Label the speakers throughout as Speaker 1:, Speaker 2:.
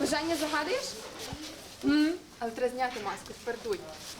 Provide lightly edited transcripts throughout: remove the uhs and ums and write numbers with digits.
Speaker 1: Бажання загадуєш? Але треба зняти маску, тепер дуй.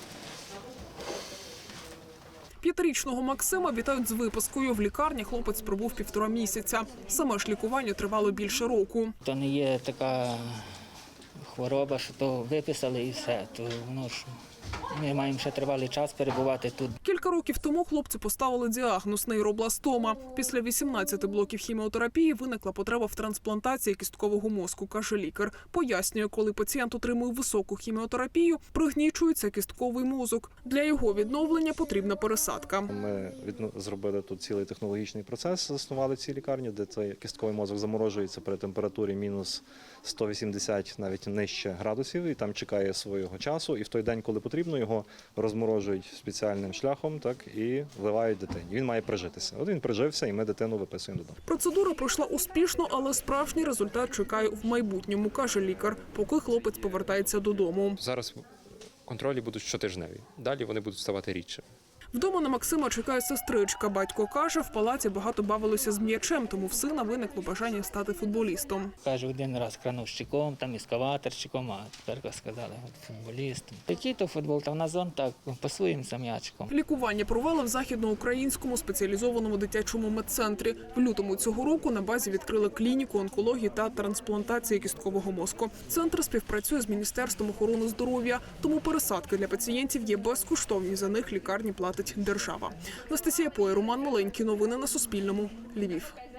Speaker 2: 5-річного Максима вітають з випискою. В лікарні хлопець пробув 1,5 місяця. Саме ж лікування тривало більше року.
Speaker 3: То не є така хвороба, що то виписали і все. То воно ж ми маємо ще тривалий час перебувати тут.
Speaker 2: Кілька років тому хлопцю поставили діагноз – нейробластома. Після 18 блоків хіміотерапії виникла потреба в трансплантації кісткового мозку, каже лікар. Пояснює, коли пацієнт отримує високу хіміотерапію, пригнічується кістковий мозок. Для його відновлення потрібна пересадка.
Speaker 4: Ми зробили тут цілий технологічний процес, заснували в цій лікарні, де цей кістковий мозок заморожується при температурі мінус 180, навіть нижче градусів, і там чекає свого часу. І в той день, коли потрібно, його розморожують спеціальним шляхом, так, і вливають дитині. Він має прижитися. От він прижився, і ми дитину виписуємо додому.
Speaker 2: Процедура пройшла успішно, але справжній результат чекає в майбутньому, каже лікар, поки хлопець повертається додому.
Speaker 5: Зараз контролі будуть щотижневі, далі вони будуть ставати рідше.
Speaker 2: Вдома на Максима чекає сестричка. Батько каже, в палаці багато бавилося з м'ячем, тому в сина виникло бажання стати футболістом.
Speaker 3: Каже, один раз крановщиком, там ескаваторщиком, а тепер сказали футболістом. Який то футбол, та в нас он так, пасуємося м'ячиком.
Speaker 2: Лікування провели в західноукраїнському спеціалізованому дитячому медцентрі. В лютому цього року на базі відкрили клініку онкології та трансплантації кісткового мозку. Центр співпрацює з Міністерством охорони здоров'я, тому пересадки для пацієнтів є безкоштовні, за них лікарні платить держава. Анастасія Поє, Роман Маленький. Новини на Суспільному. Львів.